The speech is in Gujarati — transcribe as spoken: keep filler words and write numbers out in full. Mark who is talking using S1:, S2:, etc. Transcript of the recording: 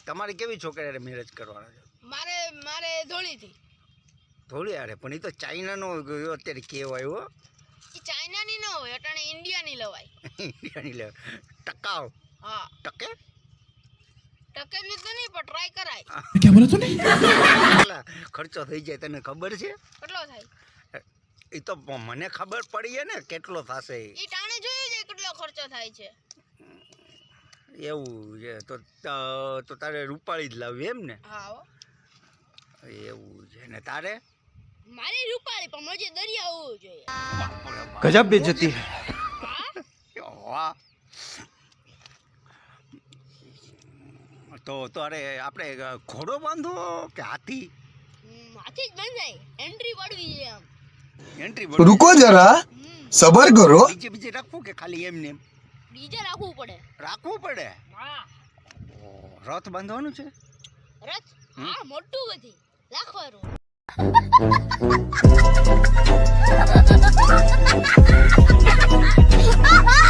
S1: તમારે કેવી છોકરી હારે મેરેજ કરવાના છે?
S2: મારે મારે ધોળીથી.
S1: ધોળી હારે? પણ એ તો ચાઇનાનો અત્યારે કહેવાય હો.
S2: એ ચાઇનાની ન હોય, અટાણે ઇન્ડિયાની લવાય.
S1: ઇન્ડિયાની લે ટકાવ.
S2: હા
S1: ટકે
S2: ટકેલી તો નહીં પણ ટ્રાય કરાય.
S3: क्या बोला तूने?
S1: કેટલા ખર્ચો થઈ જાય તને ખબર છે?
S2: કેટલો થાય
S1: એ તો મને ખબર પડી ને કેટલો થશે.
S2: એ ટાણે જોયું છે કેટલો ખર્ચો થાય છે.
S1: એવું છે તો તો તારે રૂપાળી જ લાવવી એમ ને?
S2: હા હો.
S1: એવું છે ને તારે?
S2: મારી રૂપાળી પણ મજે દરિયા હોવું જોઈએ.
S3: गजब बेइज्जती है।
S1: વાહ. તો તારે આપણે ઘોડો બાંધવો કે હાથી?
S2: હમ, હાથી જ બંધાય. એન્ટ્રી પડવી છે આમ.
S1: એન્ટ્રી
S3: रुको जरा सबर करो।
S1: બીજે બીજે રાખવું કે ખાલી એમને એમ
S2: ડીજે રાખવું પડે.
S1: રાખવું પડે?
S2: હા
S1: રથ બાંધવાનું છે?
S2: રથ હા મોટું બધી રાખવાનું.